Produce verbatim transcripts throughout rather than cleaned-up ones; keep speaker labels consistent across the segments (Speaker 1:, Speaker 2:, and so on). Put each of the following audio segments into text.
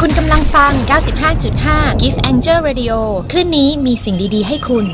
Speaker 1: คุณกำลังฟัง เก้าสิบห้าจุดห้า Gift Angel Radio คลื่นนี้มีสิ่งดีๆให้คุณ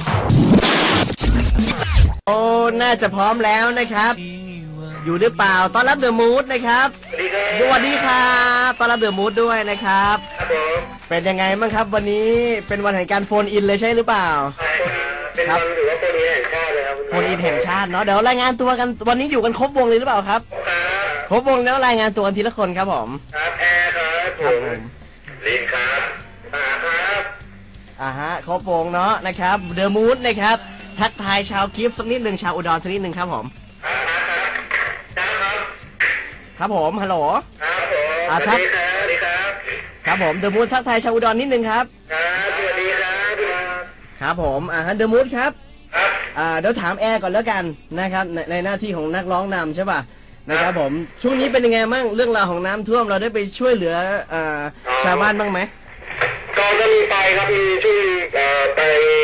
Speaker 2: โอ้น่าจะพร้อมแล้วนะครับอยู่หรือเปล่าต้อนรับเดอะมูดนะครับสวัสดีครับต้อนรับเดอะมูดด้วยนะครับเป็นยังไงบ้างครับวันนี้เป็นวันแห่งการโฟนอินเลยใช่หรือเปล่า
Speaker 3: เป็นวันถือว่าโฟนอินแห่งชาติเลยครับ
Speaker 2: โฟนอินแห่งชาติเนาะเดี๋ยวรายงานตัวกันวันนี้อยู่กันครบวงเลยหรือเปล่าครับครบวงแล้วรายงานตัวกันทีละคนครับผม
Speaker 3: ครับแอร์ครับผมลินครับอ่าครับ
Speaker 2: อ่าฮะครบวงเนาะนะครับเดอะมูดนะครับทักทายชาวกิฟต์สักนิดหนึ่งชาวอุดรสักนิดหนึ่งครับผมครับผมฮัลโหล
Speaker 3: ครับผมสวัสดีครับสวัสดีครับ
Speaker 2: ครับผมเดอะมูดทักทายชาวอุดรนิดหนึ่งครับ
Speaker 3: ครับสวัสดีครับ
Speaker 2: ครับผมอ่าฮะเดอะมูดครับอ่าเดี๋ยวถามแอร์ก่อนแล้วกันนะครับในในหน้าที่ของนักร้องนำใช่ป่ะนะครับผมช่วงนี้เป็นยังไงบ้างเรื่องราวของน้ำท่วมเราได้ไปช่วยเหลืออ่าชาวบ้านบ้างไหม
Speaker 3: ก็ก็มีไปครับมีช่วยไป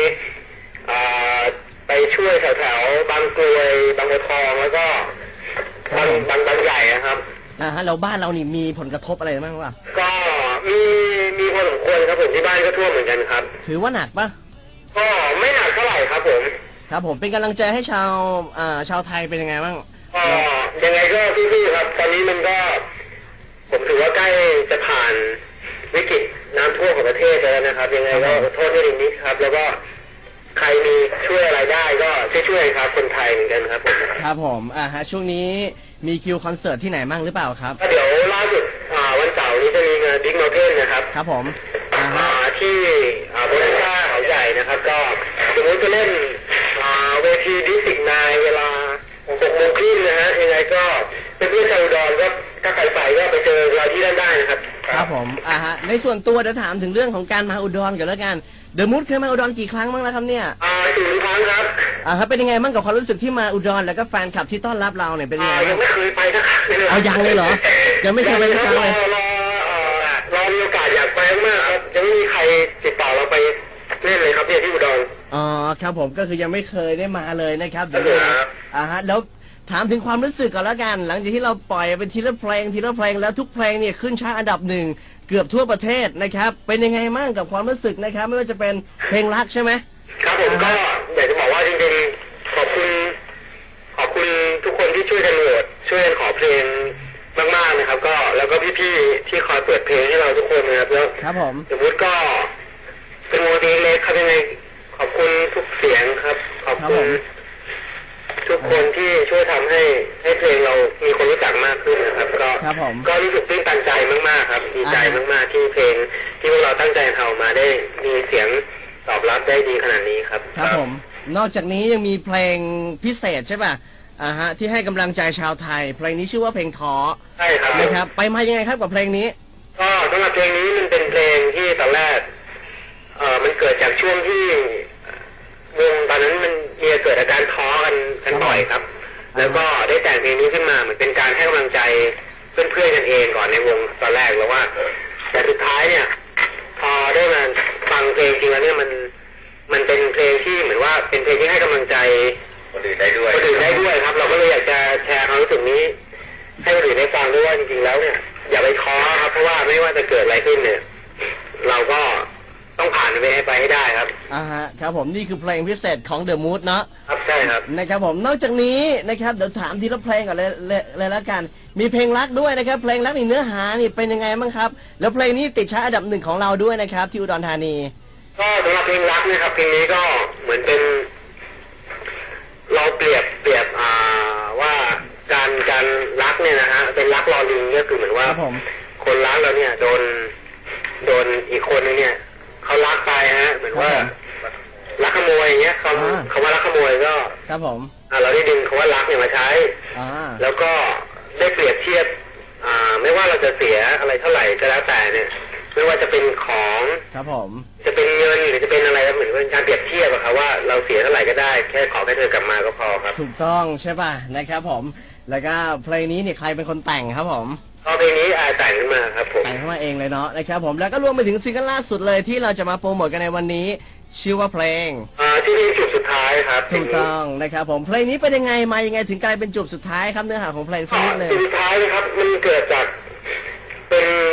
Speaker 3: ไปช่วยแถวๆบางกรวยบางบัวทองแล้วก็บางบางบางใหญ่นะครับ
Speaker 2: อ่าฮะเราบ้านเรานี่มีผลกระทบอะไรบ้างวะ
Speaker 3: ก็มีมีพอสมควรครับผมที่บ้านก็ท่วมเหมือนกันครับ
Speaker 2: ถือว่าหนักปะ
Speaker 3: ก็ไม่หนักเท่าไหร่ครับผม
Speaker 2: ครับผมเป็นกำลังใจให้ชาวอ่าชาวไทยเป็นยังไงบ้าง
Speaker 3: ก็ยังไงก็พี่ๆครับตอนนี้มันก็ผมถือว่าใกล้จะผ่านวิกฤตน้ำท่วมของประเทศแล้วนะครับยังไงก็ขอโทษด้วยนิดครับแล้วก็ใครมีช่วยอะไรได้ก็ช่วยๆครับคนไทยเหมือนกันครับผม
Speaker 2: ครับผมอ่าฮะช่วงนี้มีคิวคอนเสิร์ตที่ไหนบ้างหรือเปล่าครับ
Speaker 3: เดี๋ยวล่าสุดวันเสาร์นี้จะมีงานบิ๊กเมลเทนนะครับ
Speaker 2: ครับผม
Speaker 3: ที่โบนัสซ่าเขาใหญ่นะครับก็สมมติจะเล่นเวทีดิสติกนายเวลาหกโมงครึ่งนะฮะยังไงก็เพื่อนๆชาวอุดรก็ถ้าใครไปก็ไปเจอเราที่นั่นได้นะครับ
Speaker 2: ครับผมอ่าฮะในส่วนตัวเดี๋ยวถามถึงเรื่องของการมาอุดรกันแล้วกันเดอะมูดเคยมาอุดรกี่ครั้งบ้างแล้วครับเนี่ย
Speaker 3: อ่าสี่ครั้งครับ
Speaker 2: อ่าครับเป็นยังไงบ้างกับความรู้สึกที่มาอุดรแล้วก็แฟนคลับที่ต้อนรับเราเนี่ยเป็นยังไง
Speaker 3: ยังไม่เคยไปสักครั้งเลย
Speaker 2: เอายังเลยเหรอยังไม่เคยไปสักครั้งเลย
Speaker 3: รอรอมีโอกาสอยากไปมากครับยังไม่มีใครติดต่อเราไปเล่นเลยครับเนี่ยที่อุดร
Speaker 2: อ๋อครับผมก็คือยังไม่เคยได้มาเลยนะครับเดี๋ยวอ่าฮะแล้วถามถึงความรู้สึกก่อนแล้วกันหลังจากที่เราปล่อยเป็นทีละเพลงทีละเพลงแล้วทุกเพลงเนี่ยขึ้นชาร์ตอันดับหนึ่งเกือบทั่วประเทศนะครับเป็นยังไงบ้างกับความรู้สึกนะครับไม่ว่าจะเป็นเพลงรักใช่ไหม
Speaker 3: ครับผมก็อยากจะบอกว่าจริงๆขอบคุณขอบคุณทุกคนที่ช่วยกันโหวตช่วยกันขอเพลงมากๆนะครับก็แล้วก็พี่ๆที่คอยเปิดเพลงให้เราทุกคนนะครับแล้ว
Speaker 2: ครับผม
Speaker 3: สมมติก็เป็นโมเดลเล็กครับยังไงขอบคุณทุกเสียงครับขอบคุณทุกคนที่ช่วยทำให้ให้เพลงเรามีคนรู้จักมากขึ้นนะครับก็ก็รู้สึกตื้นตันใจมากๆครับดีใจมากๆที่เพลงที่พวกเราตั้งใจทำมาได้มีเสียงตอบรับได้ดีขนาดนี้ครับ
Speaker 2: ครับผมนอกจากนี้ยังมีเพลงพิเศษใช่ป่ะอ่าฮะที่ให้กำลังใจชาวไทยเพลงนี้ชื่อว่าเพลงท้อ
Speaker 3: ใช่ครับ
Speaker 2: นะครับไปมายังไงครับกับเพลงนี้
Speaker 3: ก็สำหรับเพลงนี้มันเป็นเพลงที่ตอนแรกเอ่อมันเกิดจากช่วงที่วงตอนนั้นมันมีเกิดอาการท้อกันกันบ่อยครับแล้วก็ได้แต่งเพลงนี้ขึ้นมาเหมือนเป็นการให้กำลังใจเพื่อนๆกันเองก่อนในวงตอนแรกแล้วว่าแต่สุดท้ายเนี่ยพอได้มาฟังเพลงจริงแล้วเนี่ยมันมันเป็นเพลงที่เหมือนว่าเป็นเพลงที่ให้กำลังใจคนอื่นได้ด้วยคนอื่นได้ด้วยครับเราก็เลยอยากจะแชร์ความรู้สึกนี้ให้คนอื่นได้ฟังด้วยว่าจริงๆแล้วเนี่ยอย่าไปท้อครับเพราะว่าไม่ว่าจะเกิดอะไรขึ้นเนี่ยเราก็ต้องผ่านไปให้ไปให้ได้ครับ
Speaker 2: อ่าฮะครับผมนี่คือเพลงพิเศษของ The Mood เนาะ
Speaker 3: ครับใช่ครับ
Speaker 2: นะครับผมนอกจากนี้นะครับเดี๋ยวถามทีละเพลงก่อนเลยเลยแล้วกันมีเพลงรักด้วยนะครับเพลงรักนี่เนื้อหานี่เป็นยังไงบ้างครับแล้วเพลงนี้ติดชาร์ตอันดับหนึ่งของเราด้วยนะครับที่อุดรธานี
Speaker 3: ก็สำหรับเพลงรักนะครับเพลงนี้ก็เหมือนเป็นเราเปรียบเปรียบอ่าว่าการการรักเนี่ยนะฮะเป็นรักรอลิงก็คือเหมือนว่าคนรักเราเนี่ยโดนโดนอีกคนนึงเนี่ยเขารักไปฮะเหมือนว่ารักขโมยอย่างเงี้ยเขาเขาว่ารักขโมยก็
Speaker 2: ครับผม
Speaker 3: อ่าเราได้ดึงคำว่ารักเนี่ยมาใช้แล้วก็ได้เปรียบเทียบอ่าไม่ว่าเราจะเสียอะไรเท่าไหร่ก็แล้วแต่เนี่ยไม่ว่าจะเป็นของ
Speaker 2: ครับผม
Speaker 3: จะเป็นเงินหรือจะเป็นอะไรเหมือนเป็นการเปรียบเทียบอะครับว่าเราเสียเท่าไหร่ก็ได้แค่ขอแค่เธอกลับมาก็พอครับ
Speaker 2: ถูกต้องใช่ป่ะนะครับผมแล้วก็เพลงนี้เนี่ยใครเป็นคนแต่งครับผม
Speaker 3: ก็เพลงนี้อาแต่งขึ้นมาครับผม
Speaker 2: แต่งขึ้นมาเองเลยเนาะนะครับผมแล้วก็รวมไปถึงซิงเกิลล่าสุดเลยที่เราจะมาโปรโมทกันในวันนี้ชื่อว่าเพลง
Speaker 3: อ่าที่เป็นจุดสุดท้ายครับ
Speaker 2: ถูกต้องนะครับผมเพลงนี้เป็นยังไงมายังไงถึงกลายเป็นจุดสุดท้ายครับเนื้อหาของเพลงสักนิดนึง
Speaker 3: จุดสุดท้ายนะครับมันเกิดจากเป็นความต้อง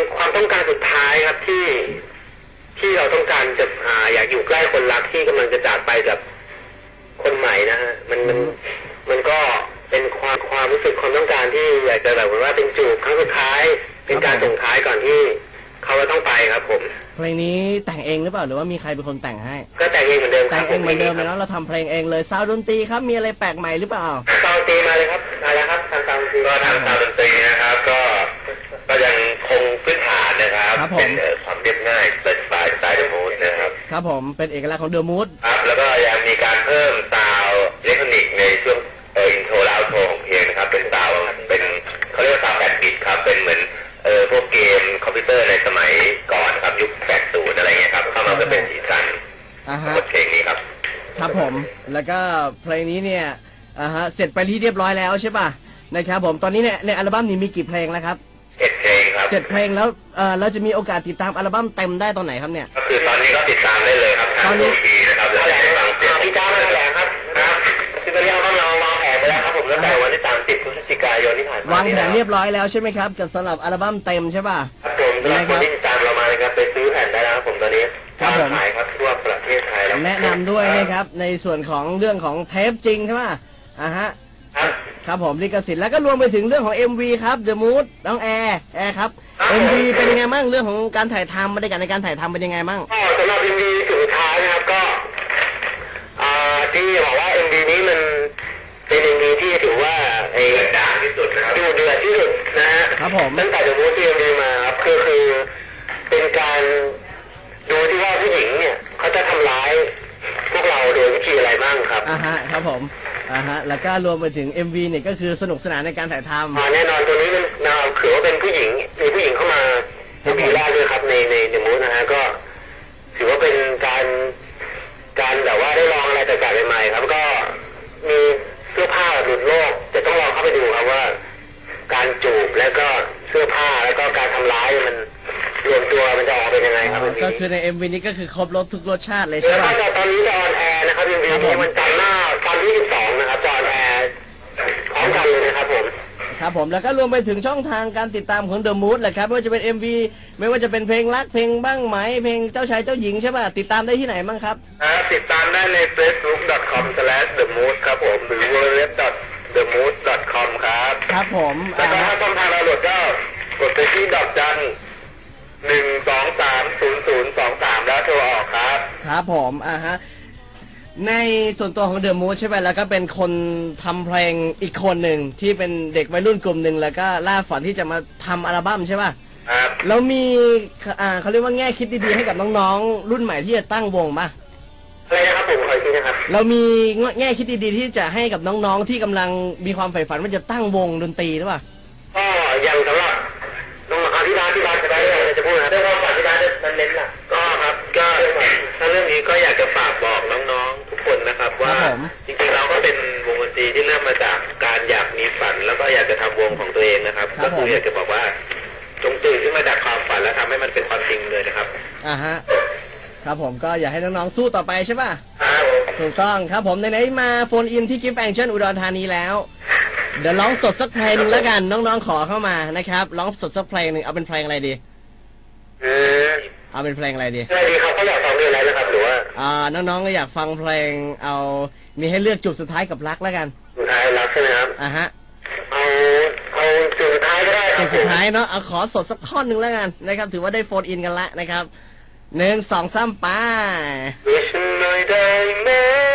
Speaker 3: ต้องการสุดท้ายครับที่ที่เราต้องการจะอ่าอยากอยู่ใกล้คนรักที่กำลังจะจากไปกับคนใหม่นะฮะมันมันมันก็เป็นความความรู้สึกความต้องการที่อยากจะแบบว่าเป็นจูบครั้งสุดท้ายเป็นการส่งท้ายก่อนที่เขาจะต้องไปครับผม
Speaker 2: เพลงนี้แต่งเองหรือเปล่าหรือว่ามีใครเป็นคนแต่งให้
Speaker 3: ก็แต่งเองเหมือนเดิม
Speaker 2: แต่งเองเหมือนเดิมเลยเนาะเราทำเพลงเองเลยซาวด์ดนตรีครับมีอะไรแปลกใหม่หรือเปล่า
Speaker 3: ซาวด์ดนตรีมาเลยครับมาแล้วครับทางซาวด์ดนตรีก็ทางซาวด์ดนตรีนะครับก็ก็ยังคงพื้นฐานนะครับเป็นความเรียบง่ายสไตล์สไตล์เดอะมูดนะครับ
Speaker 2: ครับผมเป็นเอกลักษณ์ของเดอะมูด
Speaker 3: ครับแล้วก็ยังมีการเพิ่มซาวด์อิเล็กทรอนิกส์ในช่วงเอออินโทรและเอาโทรของเพลงนะครับเป็นซาวด์เป็นเขาเรียกว่าซาวด์แปดบิตครับเป็นเหมือนเออพวกเกมคอมพิวเตอร์ในสมัยก่อนครับยุคแปดสิบอะไรเงี้ยครับเข้ามาจะเป็นสีสันของเพลงนี้ครับ
Speaker 2: ครับผมแล้วก็เพลงนี้เนี่ยอ่าฮะเสร็จไปที่เรียบร้อยแล้วใช่ป่ะนะครับผมตอนนี้เนี่ยในอัลบั้มนี้มีกี่เพลงแล้วครับ
Speaker 3: เจ็ดเพลงครับ
Speaker 2: เจ็ดเพลงแล้วเออเราจะมีโอกาสติดตามอัลบั้มเต็มได้ตอนไหนครับเนี่ย
Speaker 3: ก็คือตอนนี้ก็ติดตามได้เลยครับ
Speaker 2: ตอนนี้
Speaker 3: นะครับแล้วแต่ฟังเสียงพี่จ้ามาแถลงครับครับคือตอนนี้เราเราวางแผนไปแล้วครับผมตั้งแต่วันที่สามสิบพฤศจิกายนที่ผ่านมาว
Speaker 2: างแผนเรียบร้อยแล้วใช่ไหมครับกับสำหรับอัลบั้มเต็มใช่ป่ะ
Speaker 3: ครับผมสำหรับคนที่ติดตามเรามานะครับไปซื้อแผ่นได้แล้วครับผมตอนนี้
Speaker 2: ครับผม
Speaker 3: ขายครับทั่วประเทศไทยแล้ว
Speaker 2: แนะนำด้วยนะครับในส่วนของเรื่องของเทปจริงใช่ป่ะอ่าฮะครับผมลิขสิทธิ์แล้วก็รวมไปถึงเรื่องของ เอ็ม วี ครับ The Mood น้องแอร์แอร์ครับ เอ็ม วี เป็นยังไงบ้างเรื่องของการถ่ายทำบรรยากาศในการถ่ายทำเป็นยังไงบ้าง
Speaker 3: ก็สำหรับ เอ็ม วี สุดท้ายนะครับก็อ่าที่บอกว่า เอ็ม วี นี้มันเป็น เอ็ม วี ที่ถือว่าไอ้ด่าที่สุดนะครับดูเดือดที่สุดนะฮะ
Speaker 2: ครับผม
Speaker 3: ตั้งแต่ The Mood ที่ เอ็ม วี มาครับคือคือเป็นการดูที่ว่าผู้หญิงเนี่ยเขาจะทำร้ายพวกเราโดยวิธีอะไรบ้างครับ
Speaker 2: อ่าฮะครับผมอ่าฮะแล้วก็รวมไปถึง เอ็ม วี เนี่ยก็คือสนุกสนานในการถ่ายทำ
Speaker 3: อ่าแน่นอนตัวนี้มันเราถือว่าเป็นผู้หญิงมีผู้หญิงเข้ามาเป็นปีแรกเลยครับในในเดอะมูดนะฮะก็ถือว่าเป็นการการแบบว่าได้ลองอะไรแปลกๆใหม่ๆครับก็มีเสื้อผ้าหลุดโลกแต่ต้องลองเข้าไปดูครับว่าการจูบแล้วก็เสื้อผ้าแล้วก็การทำร้ายมันรวมตัวมันจะออกเป็นยังไงครับ
Speaker 2: ก็คือใน เอ็ม วี นี้ก็คือครบรสทุกรสชาติเลยใช่ไหม
Speaker 3: ครับตอนนี้จะออนแอร์นะครับ เอ็ม วี นี้มันจันทร์หน้าตอนที่สิบสองนะครับจะออนแอร์พร้อมกันเลยนะครับผม
Speaker 2: ครับผมแล้วก็รวมไปถึงช่องทางการติดตามของ The Mood แหละครับไม่ว่าจะเป็น เอ็ม วี ไม่ว่าจะเป็นเพลงรักเพลงบ้างไหมเพลงเจ้าชายเจ้าหญิงใช่ป่ะติดตามได้ที่ไหนบ้างครับ
Speaker 3: ติดตามได้ใน เฟซบุ๊ก ดอท คอม สแลช เดอะมูด ครับผมหรือ ดับเบิลยู ดับเบิลยู ดับเบิลยู ดอท เดอะมูด ดอท คอม ครับ
Speaker 2: ครับผม
Speaker 3: แล้วก็ถ้าช่องทางดาวน์โหลดก็กดไปที่ดอกจันหนึ่งสองสามศูนย์ศูนย์สองสามแล้วโทรออกครับ
Speaker 2: ครับผมอ่าฮะในส่วนตัวของ The Mood ใช่ไหมแล้วก็เป็นคนทำเพลงอีกคนหนึ่งที่เป็นเด็กวัยรุ่นกลุ่มหนึ่งแล้วก็ล่าฝันที่จะมาทำอัลบั้มใช่ป่ะ
Speaker 3: ครับ
Speaker 2: แล้วมีอ่าเขาเรียกว่าแง่คิดดีๆให้กับน้องๆรุ่นใหม่ที่จะตั้งวงป่ะ
Speaker 3: อะไรนะครับผมขออีกทีนะครับ
Speaker 2: เรามีแง่คิดดีๆที่จะให้กับน้องๆที่กำลังมีความใฝ่ฝันว่าจะตั้งวงดนตรีหรือเปล่า
Speaker 3: ก็ยังสำหรับน้องๆที่ร้านที่ร้านจะได้จะพูดนะเรื่องความฝันที่ร้านนั้นเน้นล่ะก็ครับก็ถ้าเรื่องนี้ก็อยากจะฝากบอกน้องๆทุกคนนะครับว่าจริงๆเราก็เป็นวงดนตรีที่เริ่มมาจากการอยากมีฝันแล้วก็อยากจะทำวงของตัวเองนะครับก็คืออยากจะบอกว่าจงตื่นขึ้นมาจากความฝันแล้วทำให้มันเป็นความจริงเลยนะครับ
Speaker 2: อ่าฮะครับผมก็อยากให้น้องๆสู้ต่อไปใช่ป่ะ
Speaker 3: ครับ
Speaker 2: ถูกต้องครับผมในไหนมาโฟนอินที่กิฟต์แองเจิลอุดรธานีแล้วเดี๋ยวร้องสดสักเพลงนึงแล้วกันน้องๆขอเข้ามานะครับร้องสดสักเพลงหนึ่งเอาเป็นเพลงอะไรดี
Speaker 3: เออ
Speaker 2: เอาเป็นเพลงอะไรดี
Speaker 3: อะไรดีครับเขาอยากฟังเพลงอะไรนะครับหรือว่า
Speaker 2: อ่าน้องๆก็อยากฟังเพลงเอามีให้เลือกจุดสุดท้ายกับรักแล้วกัน
Speaker 3: สุดท้ายรักใช่ไหมครับ
Speaker 2: อ่าฮะ
Speaker 3: เอาเอาจุดสุดท้ายก็ได้
Speaker 2: จุดสุดท้ายเนาะเอาขอสดสักท่อนหนึ่งแล้วกันนะครับถือว่าได้โฟนอินกันละนะครับหนึ่งสองสามไป
Speaker 3: ช่วยฉันหน่อยได้ไหม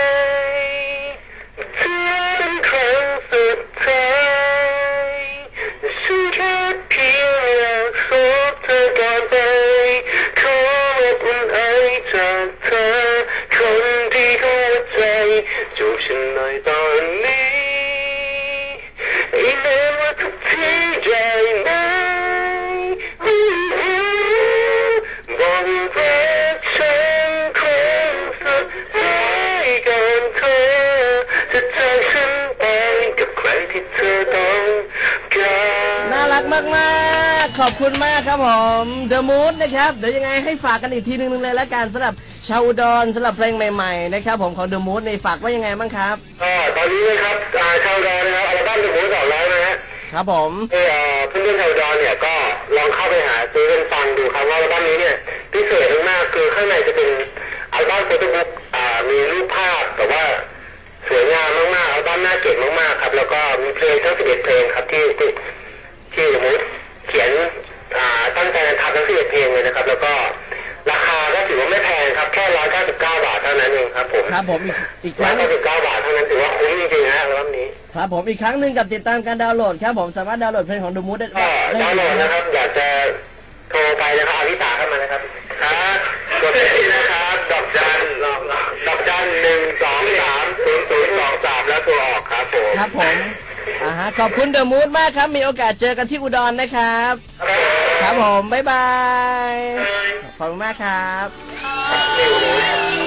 Speaker 3: เธอเป็นครั้งสุดท้ายฉันแค่เพียงอยากพบเธอก่อนไปขอรับอุ่นไอจากเธอคนที่หัวใจจูบฉันหน่อยตอนนี้อีเมลว่าทุกที่ใจไหมบอกว่าฉันคงสุดท้ายก่อนเธอจะจากฉันไปกับใครที่เธอต้องการ
Speaker 2: น่ารักมากๆขอบคุณมากครับผม The Mood นะครับเดี๋ยวยังไงให้ฝากกันอีกทีนึงเลยแล้วกันสำหรับชาวอุดรสำหรับเพลงใหม่ๆนะครับผมของ The Mood ในฝากว่ายังไงบ้างครับ
Speaker 3: ก็ตอนนี้นะครับชาวอุดรนะครับอัลบั้ม The Mood ออกแล้วนะฮะ
Speaker 2: ครับผม
Speaker 3: เออเพื่อนๆชาวอุดรเนี่ยก็ลองเข้าไปหาซื้อกันฟังดูดูครับว่าอัลบั้มนี้เนี่ยพิเศษมากๆคือข้างในจะเป็นอัลบั้มโฟโต้บุ๊กอ่ามีรูปภาพแต่ว่าสวยงามมากๆอัลบั้มน่าเก็บมากๆครับแล้วก็มีเพลงทั้งสิบเอ็ดเพลงครับที่ที่ที่สมมติเขียนอ่าตั้งใจทำทั้งสิบเอ็ดเพลงเลยนะครับแล้วก็ราคาก็ถือว่าไม่แพงครับแค่ร้อยเก้าสิบเก้าบาทเท่านั้นเองครับผม
Speaker 2: ครับผมอีกอีกค
Speaker 3: ร้อ
Speaker 2: รั้
Speaker 3: ย
Speaker 2: ง
Speaker 3: เก้าสิบเก้าบาทเท่านั้นถือว่าคุ้มจริงๆนะอัลบั้มนี้
Speaker 2: ครับผมอีกครั้งหนึ่งกับติดตามการดาวน์โหลดครับผมสามารถดาวน์โหลดเพลงของดูมูดได้
Speaker 3: ก็ดาวน์โหลดนะครับอยากจะโทรไปนะครับอาริตาเข้ามานะครับครับกดที่นะครับดอกจันดอกจันหนึ่งสองสามศูนย์ศูนย์สองสามแล้วตัวออกครับผม
Speaker 2: ครับผมอ่าฮะขอบคุณเดอะมูดมากครับมีโอกาสเจอกันที่อุดรนะครับครับผมบ๊ายบายขอบคุณมากครับ